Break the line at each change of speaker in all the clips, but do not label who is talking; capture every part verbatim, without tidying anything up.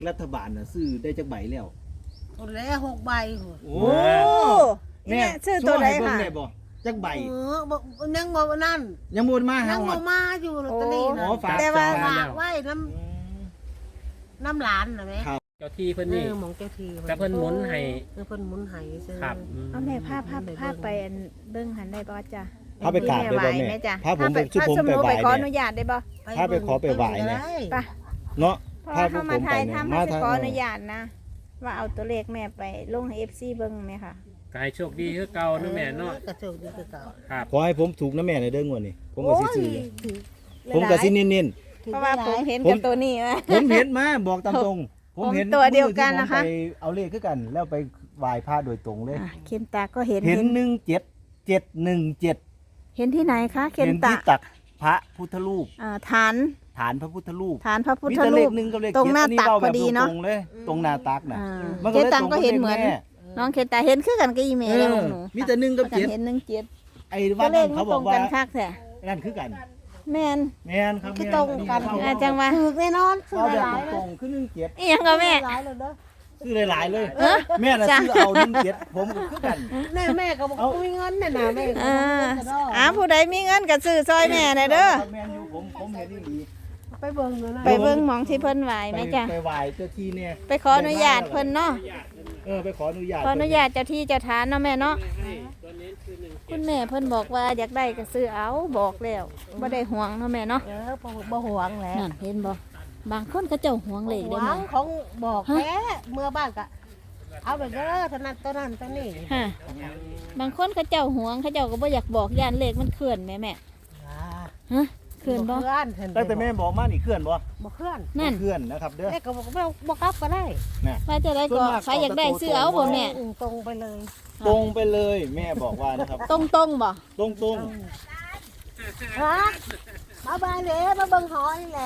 รัฐบาลน่ะซื้อได้จักใบแล้ว
คนแล้วหกใบ
โอ้
แม่ซื้อตัวไหนค่ะ
ได้บ่จักใบ
เออบ่ยังบ่นั่น
ยังบ่มา
ยั
หาง
บ่มาอยู่ลอตเตอรี่นะ
แต่ว่า
ฝากไว้น้ำน้ำหลานน่ะแม่
เจ้าที่เพิ่นนี่
หมองเจ้าที่
แต่เพิ่นหมุนให้
เพิ่นหมุนให้ซื่อ
ครับ
เอาแม่ภาพภาพภาพไปเบิ่งหันได้บ่จ้ะ
พาไปกราบได้บ่แม่
จ้ะ
พาผมไปชื่อผมไปไหว้
ขออนุญาตได้บ่
พาไปขอไปไหว้เนี่ย
ไป
เนาะ
พาผมไปทำมาขออนุญาตนะว่าเอาตัวเลขแม่ไปลงให้ เอฟ ซี เบิ่งแม่ค่ะ
กายโชคดีคือเก่านะแม่เนาะ
ก็โชคดีคือเก่า
ครับ
ขอให้ผมถูกนะแม่ในเด้องวดนี้ผมก็สิซื้อผมก็สิเน้น
ๆเพราะว่าผมเห็นกับตัวนี้ว่า
ผมเห็นมาบอกตามตรงผมเห็น
ตัวเดียวกันนะคะ
ไปเอาเลขคือกันแล้วไปไหว้พระโดยตรงเลย
เข็นตาก็เห็น
เห็นหนึ่งเจ็ด เจ็ดหนึ่งเจ็ด
เห็นที่ไหนคะเข็นตา
ที่ตักพระพุทธรูป
อ่าฐาน
ฐานพระพุทธรูป
ฐานพระพุทธรูปตรงหน้าตักพอดีเนาะ
ตรงเลยตรงหน้าตักน่ะ
เข็นตาก็เห็นเหมือนน้องเข็นตาเห็นคือกันกับอีเมลแล้วหนู
มีแต่หนึ่งกับเจ็ด
เห็นหนึ่งเจ็ด
ไอ้วันนั้นเขาบอกว่านั่นคือกัน
แมน
แมนครับ
คือตรงกัน
จังว่า
ถูกแน่นอนซื้อหลาย
ตรงคือหนึ่งเจ็ด
อีหยังก็แม่
ซื้อหลายเลยแม่น่ะซื้อเอาหนึ่งเจ็ดผมก็คือกัน
แม่แม่ก็บอกมีเงินน่ะนะแม่
อ่าอ่าผู้ใดมีเงินก็ซื้อซอยแม่ได้เด้อ
แม่อยู่ผมผมเห็นดี
ไปเบิ่งเลยนะ
ไปเบิ่งหมองที่เพิ่นไหวไหมจ้ะ
ไปไหว้เจ้าที่เนี่ย
ไปขออนุญาตเพิ่นเนาะ
เออไปขออนุญาต
ขออนุญาตเจ้าที่เจ้าทานเนาะแม่เนาะคุณแม่เพิ่นบอกว่าอยากได้ก็ซื้อเอาบอกแล้วบ่ได้ห่วงเนาะแม่เนาะ
เออบ่ห่วงแหละ
นั่นเห็นบ่บางคนก็เจ้าห่วงเลขได้แม่
ของบอกแท้เมื่อบ้านก็เอาไปเด้อเท่านั้นเท่านั้นเท่านี้
ฮะบางคนเขาเจ้าห่วงเขาเจ้าก็บ่อยากบอกย่านเลขมันเคลื่อนแม่แม่ฮะเคลื่อนบ่
ตั้งแต่แม่บอกมานี่เคลื่อนบ่
บ่เคลื่อน
นั่น
เคลื่อนนะครับเด้อ
แม่ก็บอกว่าบ่กลับก็ได้
ว่าจะได้ก็ใครอยากได้ซื้อเอาบ่แม่
ตรงไปเลย
ตรงไปเลยแม่บอกว่านะครับ
ตรงตรงบ่
ตรงตรง
ฮะมาบ้านเด้มาเบิ่งหอยแหละ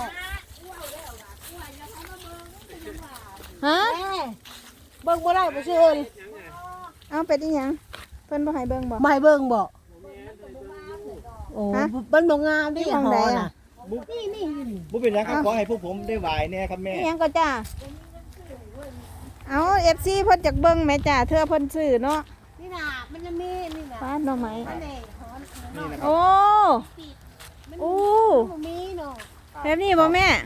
ฮะ
เบิ่งบ่ได้บ่ซื้อเลย
เอาไปอีหยังเพิ่นบ่ให้เบิ่งบ่
ไม่เบิ่งบ่โอ้มันบ่งามดิหอยน่ะนี่นี่
บ่เป็นหยังครับขอให้พวกผมได้ไหว้แน่ครับแม่
อีหยังก็จ้าเอา เอฟ ซี เพิ่นจักเบิ่งแม่จ้าเทื่อเพิ่นซื้อเนาะ
นี่น่ะมันจะมีนี่น่ะ
ฟ้าหน่อไม้
โอ้
โอ้
มีเนาะ
แบบนี้บ่แม่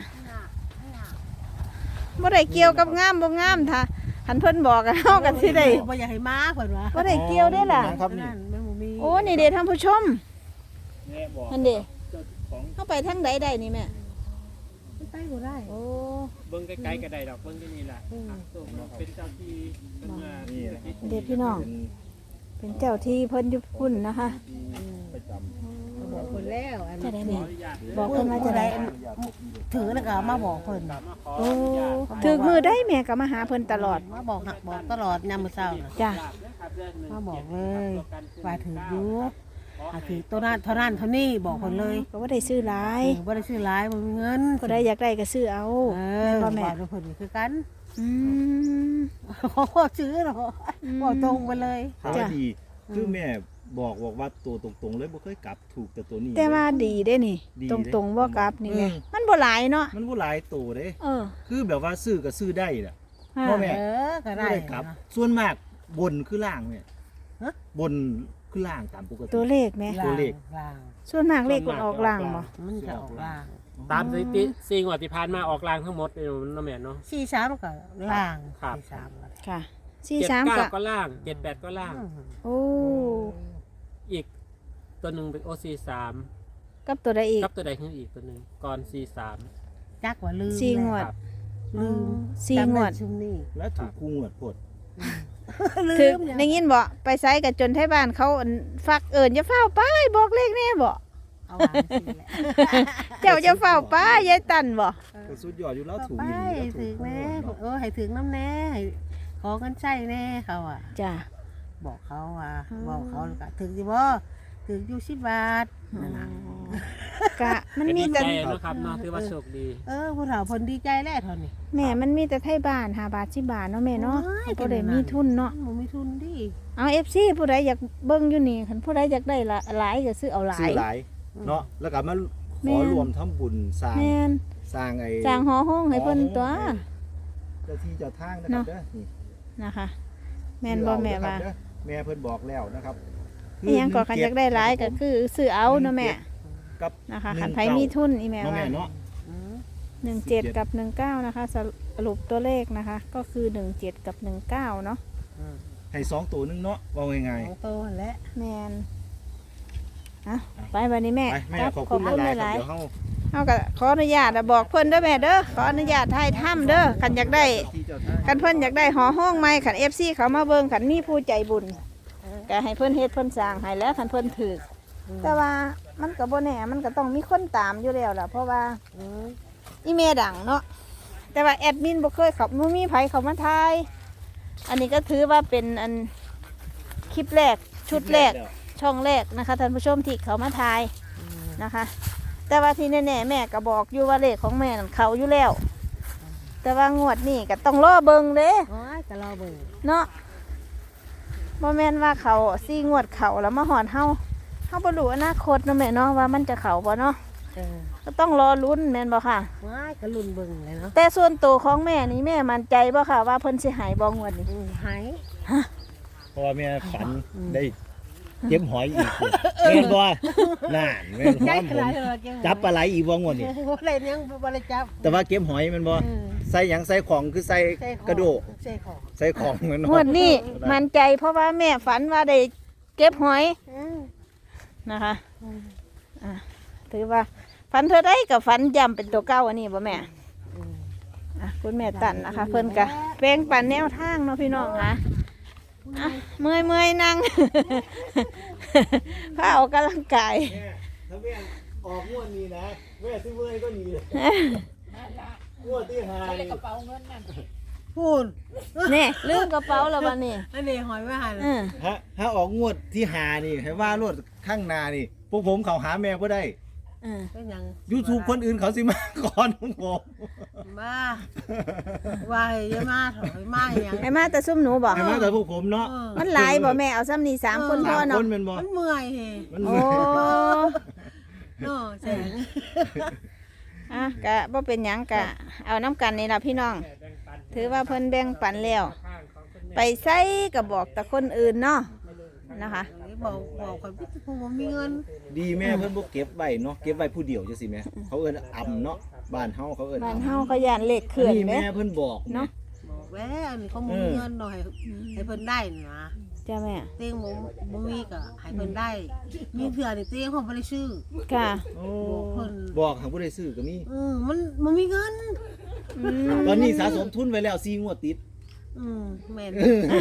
บ่ได้เกี่ยวกับงามบ่งามท่าหันเพิ่นบอกกันเฮากันสิได้
บ่อยากให้มาเพิ่นว่า
บ่ได้เกี่ยวได้ล่ะโอ้นี่เด้ท่านผู้ชมนั่นเด้เฮาไปทางใดได้นี่แม่
ไปบ่ได้
โอ้
เบิ่งไกลๆก็ได้ดอกเบิ่งที่นี่แหละเป็นเจ้าที่เพิ่นมา
เด็กพี่น้องเป็นเจ้าที่เพิ่นอยู่พุ่นนะคะ
บอกเพิ่นแล้วอัน
จะได้แม่
บอกเพิ่นว่าจะได้ถือแล้วก็มาบอกเพิ่น
โอ้ถือมือได้แม่ก็มาหาเพิ่นตลอด
มาบอกบอกตลอดยามมื้อเช้าน่ะ
จ้ะ
มาบอกเลยว่าถืออยู่อ่ะถือตัวนั้นเท่านั้นเท่านี้บอกเพิ่นเลย
ก็บ่ได้ซื้อหลาย
บ่ได้ซื้อหลายบ่มีเงิน
ผู้ใดอยากได้ก็ซื้อเอา
เออบ่แม่เพิ่นคือกัน
อืม
ขอซื้อเนาะบอกตรงไปเลย
จ้ะดีคือแม่บอกบอกว่าตัวตรงๆเลยบ่เคยกลับถูกแต่ตัวนี้
แต่ว่าดีเด้นี่ตรงๆบ่กลับนี่แม่มันบ่หลายเนาะ
มันบ่หลายตัวเด้
เออ
คือแบบว่าซื้อก็ซื้อได้ล่ะ
บ่
แม่
เออก็ได้
กลับส่วนมากบนคือล่างแม่ฮะบนคือล่างตามปกติ
ตัวเลขแม่
ตัวเลข
ล่าง
ส่วนมากเลขมันออกล่างบ่
มันจะออกล่าง
ตามสถิติสี่งวดที่ผ่านมาออกล่างทั้งหมดเนาะแม่เนาะ
สี่สามก็ล่าง
สี่สาม
ค่ะสี่สาม
ก็ก็ล่างเจ็ดแปดก็ล่าง
โอ้
อีกตัวหนึ่งเป็นโอซีสาม
กับตัวใดอีก
กับตัวใดขึ้นอีกตัวหนึ่งก่อนซีสาม
จักว่าลืม
สี่งวด
ลืม
สี่งวด
แล้วถูกคู่งวดพด
ถึงได้ยินบ่ไปไสกับจนไทบ้านเขาฟักเอิญจะเฝ้าป้ายบอกเลขแน่บ่เจ้าจะเฝ้าป้ายยายตันบ่
สุดยอดอยู่แล้วถูก
ป้ายถึงแน่เออให้ถึงน้ำแน่ขอกันใช่แน่เขาอ่ะ
จ้ะ
บอกเขาว่าบอกเขาก็ถึงสิบ่ถึงอยู่สิบบาทนั่นน่ะ
กะมันมีแต่
นะครับเนาะถือว่าโชคดี
เออผู้เฒ่าเพิ่นดีใจแล้วเท่านี้
แม่มันมีแต่ไทบ้านห้าบาทสิบบาทเนาะแม่เนาะบ่ได้มีทุนเนาะ
บ่มีทุนดิ
เอา เอฟ ซี ผู้ใดอยากเบิ่งอยู่นี่คันผู้ใดอยากได้หลายก็ซื้อเอาหลาย
ซื้อหลายเนาะแล้วก็มาขอรวมทำบุญสร้างสร้างไอ้
สร้างหอห้องให้เพิ่นตัว
จจ้าที่เจ้าทางนะครับเด้อนี่
นะคะ แม่นบ่แม่ว่า
เด้อแม่เพิ่นบอกแล้วนะครับ
อีหยังก็คันอยากได้หลายก็คือซื้อเอาเนาะแม่
กับ
นะคะ
หนึ่ง
คันไผมีทุนอีแม่
เนาะ
ว่า
แม่เนาะ
อืม
หนึ่งเจ็ดกับหนึ่งเก้านะคะสรุปตัวเลขนะคะ ก็คือหนึ่งเจ็ดกับหนึ่งเก้าเนาะ
อืม
ให้สองตัวนึงเนาะว่าง่าย
ของโตนั่นแหละ
แมนอ่ะไปวันนี้แม่
ๆไปแม่
ครับ
ขอบคุณหลายๆ
ห
ครั
ลา
บ
ย
เดี๋ยวเฮา
ๆเอาก็ขออนุญาตอะบอกเพิ่นเด้อแม่เด้อขออนุญาตถ่ายถ้ำเด้อคันอยากได้
เจ้าที่เจ้าทาง
คันเพิ่นอยากได้หอห้องใหม่คัน เอฟ ซี เขามาเบิ่งคันมีผู้ใจบุญก็ให้เพิ่นเฮ็ดเพิ่นสร้างให้แล้วคันเพิ่นถือแต่ว่ามันก็บ่แน่มันก็ต้องมีคนตามอยู่แล้วล่ะเพราะว่า
อืม
อีเมดังเนาะแต่ว่าแอดมินบ่เคยเขาบ่มีไผเขามาถ่ายอันนี้ก็ถือว่าเป็นอันคลิปแรกชุดแรกช่องแรกนะคะท่านผู้ชมที่เขามาถ่ายนะคะ แต่ว่าที่แน่ๆแม่ก็บอกอยู่ว่าเลขของแม่นั่นเขาอยู่แล้ว แต่ว่างวดนี้ก็ต้องรอเบิ่งเด้
โอ้ยก็รอเบิ่ง
เนาะบ่แม่นว่าเขาซี่งวดเขาแล้วมาหอนเฮาเฮาบ่รู้อนาคตเนาะแม่เนาะว่ามันจะเขาบ่เนาะ
เออ
ก็ต้องรอลุ้นแม่นบ่ค่ะ
ว้ายก็ลุ้นเบิ่งเลยเนาะ
แต่ส่วนตัวของแม่นี่แม่มั่นใจบ่ค่ะว่าเพิ่นสิหายบ่งวดนี้
อืมหาย
เพราะว่าแม่ฝันได้เก็บหอยอีกแม่นบ่นั่นแม่นห
ได้
อม
ข
ผม
นาดเลย
จับปลาไหลอีกบ่งวดนี่
บ่ได้ยังบ่ได้จับ
แต่ว่าเก็บหอยแม่นบ่
เออ
ใส่หยังใส่ของคือใส่
ใส่ของ
กระโดก
ใส่ของ
ใส่ของเหมือน
งวดนี้มั่นใจเพราะว่าแม่ฝันว่าได้เก็บหอย
อืม
นะคะ
อืม
อ่ะถือว่าฝันเธอได้กับฝันย้ำเป็นตัวเก้าอันนี้บ่แม่
อืม
อ่ะคุณแม่ตันนะคะ เพิ่นกะแปลงปันแนวทางเนาะพี่น้องค่ะอ่ะเมื่อยเมื่อยๆนั่ง พาออกกำลังกาย
แม่ถ้าแม่ออกงวดนี้นะแม่ซื้อเมื่อยก็หนีเลยงวดที่หานี่
พูน
นี่ลืมกระเป๋าแล้วบัดนี้
อันนี้หอยไม่หัน
เออ
ฮะถ้าออกงวดที่หานี่ให้ว่ารวดข้างหนานี่พวกผมเขาหาแม่บ่ได้
เออ
เป็นหยัง
YouTube คนอื่นเขาสิมาก่อนของผม
มาว่าให้อยามาถอยมาให้หยัง
ไอ้มาแต่ซุ่มหนูบอก
ให้มาแต่พวกผมเนาะ
เออ
มันหลายบ่แม่เอาซ้ำนี่สามคนพ่อ
สามค
เนาะ
นเป็นบ่
มันเมื่อยเฮ
มัน
โอ้
เนาะแสง
อ่ะกะบ่เป็นหยังกะ เอาน้ำกันนี่ล่ะพี่น้อง ถือว่าเพิ่นแบ่งปันแล้ว ไปใส่ก็บอกแต่คนอื่นเนาะนะคะ
บอกบอกคนพี่ผมบ่มีเงิน
ดีแม่เพิ่นบ่เก็บไว้เนาะเก็บไว้ผู้เดียวจังซี่แม่เขาเอิ้นอ่ำเนาะบ้านเฮาเขาเอิ้น
บ้าน
อ่ำ
เฮาเขาย่านเลขเคลื่อน
นี่
เด้
แม่เพิ่นบอก
เนาะ
บอกแล้วอันนี้เขาบ่มีเงินหน่อยให้เพิ่นได้นี่นะ
จ้าแม่
เตียงบ่บ่มีก็ให้เพิ่นได้ มีเถื่อนี่เตียงผมบ่ได้ซื้อ
ค่ะ
โอ้
บอกเพิ่น
บอกหาผู้ใดซื้อก็มี
เออมันบ่มีเงิน
อืม
ตอนนี้สะสมทุนไว้แล้วสี่งวดติด
อืมแม่น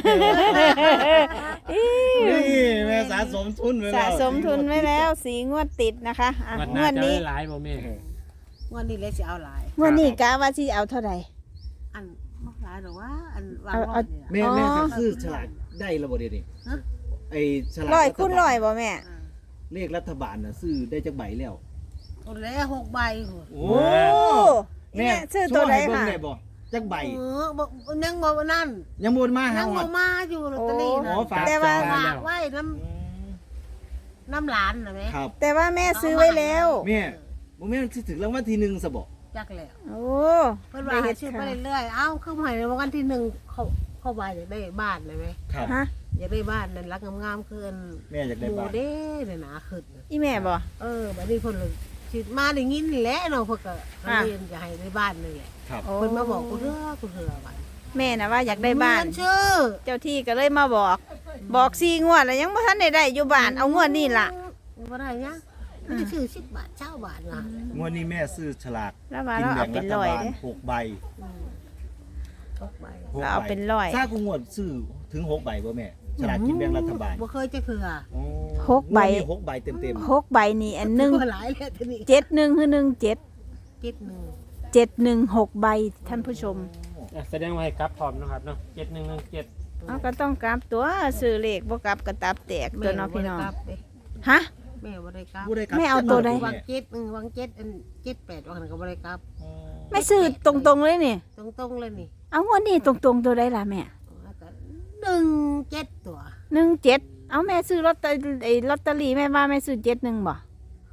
อิ๊ว
นี่แม่สะสมทุนไว้แล้ว
สะสมทุนไว้แล้วสีงวดติดนะคะอ่ะ
วัน
ง
หน้าว
ด
จะ
นี้
ได้หลายบ่แม่
วันนี้เลยสิเอาหลาย
งวดนี้กะว่าสิเอาเท่าไหร่
อันบ่หลายดอกว่า อันวาง
เอา
ร้อ
เอา
ยนี่ล่ะ
แม่
อ๋อ
แม่ก็คือฉลากได้ระบ่เดี๋ยวนี้
ฮะ
ไอ้ฉลาก
ร้อยคูณร้อยบ่แม่
อ่า
เลขรัฐบาลน่ะซื้อได้จักใบแล้ว
โอ้แล้วหกใบโห
โอ้
โอ้แม่ซื้อตัวไหน
ช่ยเบิ่ง
ค่ะ
ได้บ่จักใบ
เออบ่ยังบ่นั่น
ยังบ่มา
ยั
หาง หอ
บ่
ด
มาอยู่ลอตเตอรี่นะ
อ๋อฝาก
แต่ว่า
จ่ย
ฝากไว้น้ำน้ำหลานนะแม่
ครับ
แต่ว่าแม่ซื้อไว้แล้ว
แม่บ่แม่นสิถึงรางวัลที่หนึ่งซะบ่
จักแล้ว
โอ้
เพิ่นว่าให้ชื่อไปเรื่อยๆเอ้าคือหมายในวันที่หนึ่งเขาเข้าบ้านอยากได้บ้านเลยไหม
ครับ
ฮะ
อยากได้บ้านนั่นรักงามๆคืออัน
แม่อยาก
ห
ได้
มู
บ้าน
เด้เนี่ยนะขึ้นน่ะ
อีแม่บ่
เออบัดนี้เพิ่นเลยสิมาได้ยินนี่แหละเนาะเพิ่นก็
อ่ะ
เรียนจะให้ได้บ้านนี่แหละ
ครับ
โอ้
เพิ่นมาบอกกูเด้อกูเถื่อบัด
แม่น่ะว่าอยากได้บ้าน
เงิชื่อ
เจ้าที่ก็เลยมาบอก บอกสี่งวดแล้วยังบ่ทันได้ได้อยู่บ้านเอางวดนี้ล่ะ
บ่ได้ยังไม่ได้ชื่อสิบบาทเจ้าบาทนะ
งวดนี้แม่ซื้อฉลาก
แล้วว่า
กิน
เรา
แบ่
เอา
ง
เป็
รั
นร้อย
ฐบาล
เด้
หกใบ
อืมหกใบ
หก
เราเอา
ใบ
เป็นร้อย
ถ้ากูงวดซื้อถึงหกใบบ่แม่ฉลากกินแบ่งรัฐบาล
บ่เคยจะเถื่อ
โอ้
หกใบ
งวดนี้หกใบเต็ม
หกใบนี่อันหนึ่ง
บ่หลายแล้วทีนี้
เจ็ดหนึ่งคือหนึ่งเจ็ด
คิดหนึ่ง
เจ็ดหนึ่งหกใบท่านผู้ชม
อ่ะแสดงว่าให้กลับพร้อมนะครับเนาะเจ็ดหนึ่งหนึ่งเจ็ด
เอาก็ต้องกลับตัวซื้อเลขบ่กลับก็ตับแตกตัวเน้องพี่น้อง
แม่บ่ได้กลับเด้
ฮะ
แม่บ่ได้กลับ
ผู้ใดครับ
แม่เอาตัวใด
วังเจ็ดหนึ่งวังเจ็ดอันเจ็ดแปดวังนั้นก็บ่ได้กลับ
อ๋อ
ไม่ซื้อตรงๆเลยนี่
ตรงๆเลยนี่
เอางวดนี้ตรงๆตัวใดล่ะแม่
แล้วก็หนึ่งเจ็ดตัว
หนึ่งเจ็ดเอาแม่ซื้อลอตเตอรี่ไอ้ลอตเตอรี่แม่ว่าแม่ซื้อเจ็ดหนึ่งบ่
บ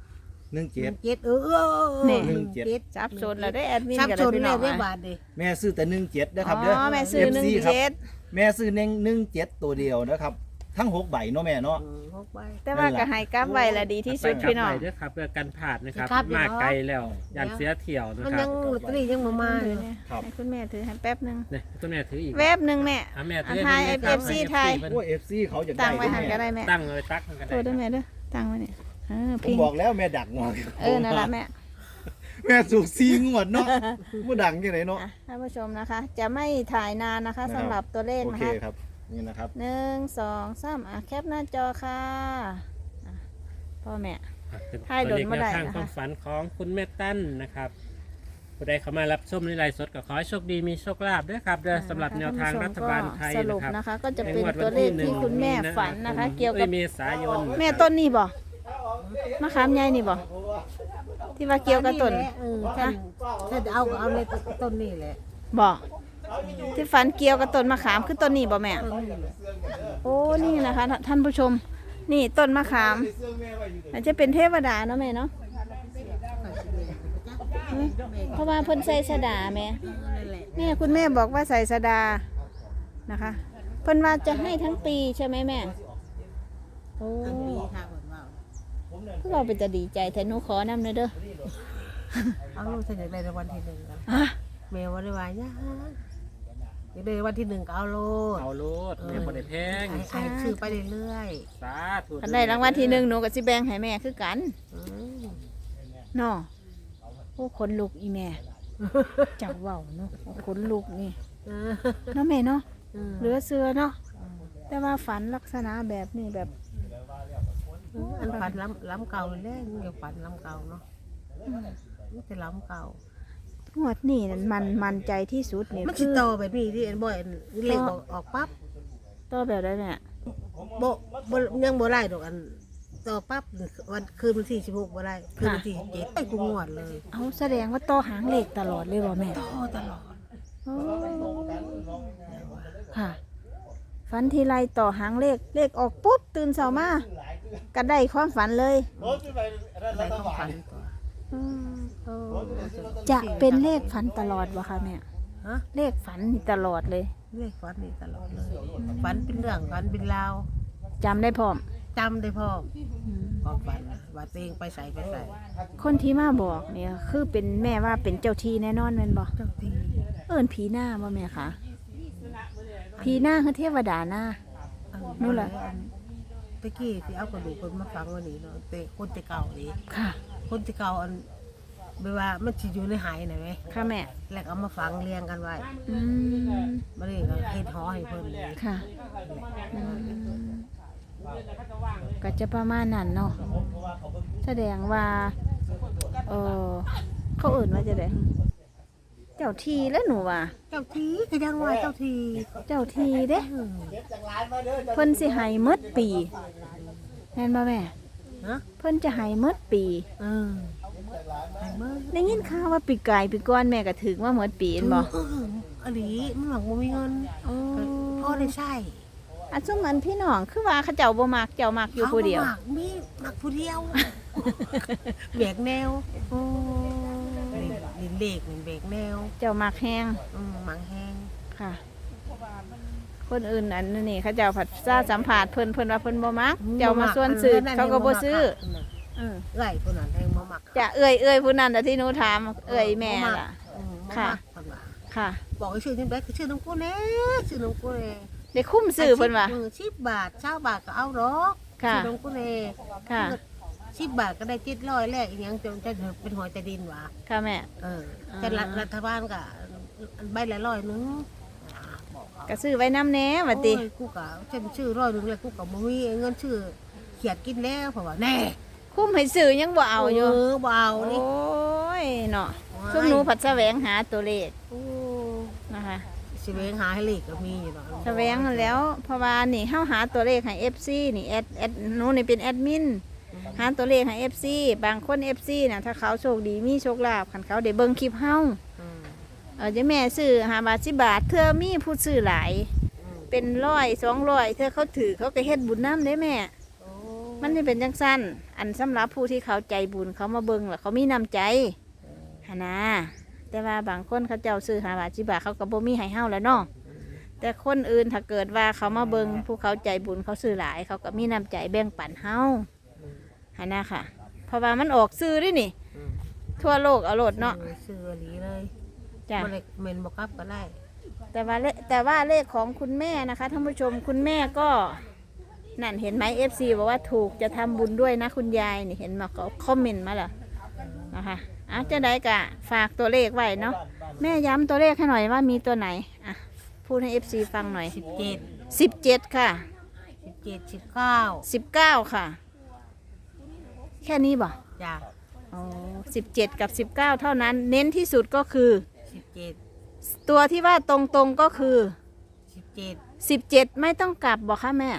หนึ่งเจ็ด
เจ็ดเออเออเออ
แน่
หนึ่งเจ็ด
จับโซนแล้วได้แอดมิน
ชับ
กัน
ช
เลย
น
พี่น้
แล้
อ
ว
ง
ได้
อะ
บาทดิ
แม่ซื้อแต่หนึ่งเจ็ดนะครับ
อ๋
เด้อ
อแม่ซื้อหนึ่ง
เอฟซีครับ
เจ็ด
แม่ซื้อหนึ่งหนึ่งเจ็ดตัวเดียวนะครับ ทั้งหกใบเนาะแม่เนาะ
อืมหกใบ
แต่ว่าก็ให้กลับไว้ละดีที่สุดพี่น้อง
ด้วยครับเพื่อกันผ่านนะครับ
ครับ
มาไกลแล้วยันเสียเที่ยวนะ
มัน
ครั
ยั
บ
งลอตเตอรี่ยังบ่มาเลย
ครับ
ให้คุณแม่ถือให้แป๊บหนึง
เนี่ยคุณแม่ถืออีก
แวบหนึงแม่
อ่ะแม่
อัน
ถื
ไทย
ให้
เอฟซีไทย
โอ้เอฟซีเขาอยาก
ตั้
ได้
งไว้หันก็ได้แม่
ตั้งเลยตักมันก็
โท
ได้
ษด้วยแม่เด้อตั้งไว้เนี่ยเออ
ผม
พิง
บอกแล้วแม่ดักงวด
เออนั่นละแม่
แม่สูกซีงวดเนาะบ่ดังจังไดเนาะ
อ่ะท่านผู้ชมนะคะ จะไม่ถ่ายนานนะคะ
นะครับ
สำหรับตัวเลข
โอ
นะ
เค
คะ
ครับนี่นะครับ
หนึ่งสองสามอ่ะแคปหน้าจอค่ะอ่ะพ่อแม่ ให้
ให้
โด
โด
น
น
บ่
มา
ได้
ได้
นะคะ
ความฝันของคุณแม่ตั้นนะครับผู้ใดเข้ามารับชมในไลฟ์สดก็ขอให้โชคดีมีโชคลาภด้วยครับเด้อสำหรับแนวทางรัฐบาลไทย
สรุ
นะ
ป
ครับ
นะคะ ก็จะเป็นตัวเลขที่คุณแม่ฝันนะคะ เกี่ยวกับ
เมษายน
แม่ต้นนี่บ่มะขามใหญ่นี่บ่ที่ว่าเกี่ยวกับต้น
เออถ้าถ้าจะเอาก็เอาในต้นนี่แหละ
บ่ที่ฝันเกี่ยวกับต้นมะขามคือต้นนี้บ่แม่
ต้นนี่แหละ
โอ้นี่นะคะ ท่านผู้ชม นี่ต้นมะขามอาจจะเป็นเทวดาเนาะแม่เนาะอืมเพราะว่าเพิ่นใส่สดาแม่
นั่นแหละ
แม่คุณแม่บอกว่าใส่สดานะคะ เพิ่นว่าจะให้ทั้งปีใช่ไหมแม่โอ้
ทั้งปีค่ะเพิ่นว่า
คือเราเป็นจะดีใจแต่หนูขอนำเด้อเด้อ
เอาลูกฉันอยากได้รางวัลที่หนึ่งกัน
อ่ะ
แม่ว่าได้ว่าย่าอยากได้รางวัลที่หนึ่งก็เอาโลด
เอาโลดแม่บ่ได้แพง
ให้ให้ซื้อไปเรื่อย
สาธุ
คันได้รางวัลที่หนึ่งหนูก็สิแบ่งให้แม่คือกัน
ๆอืม
เนาะโอ้ขนลุกอีแม่จังเว้าเนาะโอ้ขนลุกนี่
เออ
เนาะแม่เนาะ
เออ
เหลือเสือเนาะแต่ว่าฝันลักษณะแบบนี้แบบ
อันฝันล้ำล้ำเก่าเลยแหละมันอยากฝันล้ำเก่าเนาะมันจะล้ำเก่า
งวดนี่นั่นมันมันใจที่สุดนี่
มัน
คื
สิ
อ
โตแบบนี้ที่เอ็นบ่อยอันเล็กออกออกปั๊บ
ต่อแบบได้แม่
บ่บ่ยังบ่ได้ดอกอันต่อปั๊บวันคืนวันที่สิบหกบ่ได้คืนวันที่เจ็ดไปกูงวดเลย
เอาแสดงว่าต่อหางเลขตลอดเลยบ่แม่
ต่อตลอด
โอ้ค่ะฝันทีไรต่อหางเลขเลขออกปุ๊บตื่นเช้ามาก็ได้ความฝันเลย
ได้ของฝันตัว
อืม
โอ้
จะเป็นเลขฝันตลอดวะคะแม่
ฮะ
เลขฝันนี่ตลอดเลย
เลขฝันนี่ตลอดเลยฝันเป็นเรื่องฝันเป็นราว
จำได้พร้อม
จำได้พ่อความฝันว่าตัวเองไปใส่ไปใส่
คนที่มาบอกเนี่ยคือเป็นแม่ว่าเป็นเจ้าที่แน่นอนแม่นบ่
เจ้าที่
เอิ้นผีหน้าบ่แม่คะผีหน้าคือเทวดาหน้า นู่นล่ะ
ตะกี้ที่เอากระดูกคนมาฝังวันนี้เนาะแต่คนแต่เก่านี่
ค่ะ
คนที่เก่าอันไม่ว่ามันสิอยู่ในหายนะไหม
ค่ะแม่
แล้วก็เอามาฝังเรียงกันไว้
อืม
มาเลยก็เฮ็ดหอให้เพิ่นเลย
ค่ะอืมก็จะประมาณนั้นเนาะแสดงว่าเออเขาเอื่นว่าจะได้เจ้าทีแล้วหนูว่า
เจ้าทีก็ยังว่าเจ้าที
เจ้าทีเด้
อืม
เพิ่นสิให้หมดปีแม่นบ่แม่
ฮะ
เพิ่นจะให้หมดปี
เออไอ้เบิ่ง
ได้ยินข่าวว่าปีกายปีก้อนแม่ก็ถึงว่าหมดปีเห็นบ่
เอออันนี้มันหวังบ่มีเงิน
โอ้
พ่อได้ใช้
อันซุมันพี่น้องคือว่าเขาเจ้าบ่มักเจ้ามักอยู่ผู้เดียว
อามาหมักมีหมักผู้เดียวแบกแนว
โอ้
ลินเด็กนี่แบกแนว
เจ้ามักแฮง
อืมหมังแห้ง
ค่ะ คนอื่นอันนี้เขาเจ้าผัดซาสัมผัสเพิ่นเพิ่นว่าเพิ่นบ่มัก เจ้ามาส่วนซื้อเขาก็บ่ซื้อเออ
เอ้ยคนนั้นแทงบ่มัก
จะเอ้ยเอ้ยผู้นั้นน่ะที่หนูถามเอ้ยแม่ล่ะ
อืมบ่
ค่ะ
มักเพิ่นว่า
ค่ะ
บอกให้ชื่อนี่แบกชื่อน้องกูแน่ชื่อน้องกูแน่
ได้คุ้มซื้อเพิ่นว่า
สิบบาทเช้าบาทก็เอาดอก
ค่ะ
ชื่อน้องกูแน่
ค่ะ
สิบบาทก็ได้เจ็ดร้อยแลกอีหยังจนจะเป็นหอยแต่ดินหว่า
ค่ะแม่
เออแต่รัฐรัฐบาลก็ใบละร้อยหนึงบอกเขา
ก็ซื้อไว้น้ำแหน่ว่าติ
โอ้ยกูกะฉันชื่อร้อยหนึงแล้วกูกะบ่มีเงินชื่อเขียดกินแล้วเพราะว่าแน่
คุ้มให้ซื้อยังบ่เอาอยู่
เออบ่เอา
โอ้
นี่
ยเนาะซุมหนูผัดแสวงหาตัวเลข
โอ้
นะคะ
สิแวงหาให้เลขก็มีอยู่เนาะ
แสวงนั่นแล้วเพราะว่านี่เฮาหาตัวเลขให้ เอฟ ซี นี่แอดแอดหนูนี่เป็นแอดมินหาตัวเลขให้ เอฟ ซี บางคน เอฟ ซี น่ะถ้าเขาโชคดีมีโชคลาภคันเขาได้เบิ่งคลิปเฮา
อืม
เออจะแม่ซื้อห้าบาทสิบบาทเธอมีผู้ซื้อหลาย
อืม
เป็นร้อยสองร้อยเธอเขาถือเขาก็เฮ็ดบุญน้ำได้แม่
โอ้
มันนี่เป็นจังสั้นอันสำหรับผู้ที่เขาใจบุญเขามาเบิ่งแล้วเขามีน้ำใจหนนะแต่ว่าบางคนเขาเจ้าซื้อหาบาทสิบาทเขาก็บ่มีให้เฮาแล้วเนาะแต่คนอื่นถ้าเกิดว่าเขามาเบิ่งผู้เขาใจบุญเขาซื้อหลายเขาก็มีน้ำใจแบ่งปันเฮาหนนะค่ะเพราะว่ามันออกซื้อด้วยนี่ทั่วโลกเอาโลดเนาะ
ซื้อหลีเลย
จ้ะ
บ่ได้เมนบ่กลับก็ได้
แต่ว่าเลแต่ว่าเลขของคุณแม่นะคะท่านผู้ชมคุณแม่ก็นั่นเห็นไหมเอฟซีบอกว่าถูกจะทำบุญด้วยนะคุณยายนี่เห็นมาเขาคอมเมนต์มาแล้วนะคะอ่ะจะได้กะฝากตัวเลขไว้เนาะแม่ย้ำตัวเลขให้หน่อยว่ามีตัวไหนอ่ะพูดให้เอฟซีฟังหน่อย
สิบเจ็ด
สิบเจ็ดค่ะ
สิบเจ็ดสิบเก้า
สิบเก้าค่ะ แค่นี้บ่
จ้ะ
อ๋อสิบเจ็ดกับสิบเก้าเท่านั้น เน้นที่สุดก็คือ
สิบเจ็ด
ตัวที่ว่าตรงๆก็คือ
สิบเจ็ด
สิบเจ็ดไม่ต้องกลับบอกค่ะแม่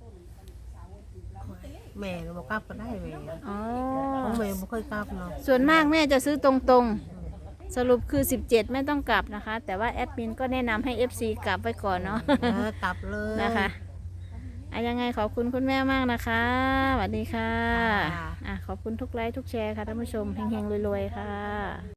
แม่บ่กลับก็ได้แม่
อ๋อ
ของแม่บ่เคยกลับเนาะ
ส่วนมากแม่จะซื้อตรงๆ สรุปคือสิบเจ็ดไม่ต้องกลับนะคะ แต่ว่าแอดมินก็แนะนำให้ เอฟ ซี กลับไว้ก่อนเนาะ
เออกลับเลย
นะคะอะยังไงขอบคุณคุณแม่มากนะคะสวัสดีค่ะ
ค่ะ
อ่ะขอบคุณทุกไลค์ทุกแชร์ค่ะท่านผู้ชมเฮงๆรวยๆค่ะ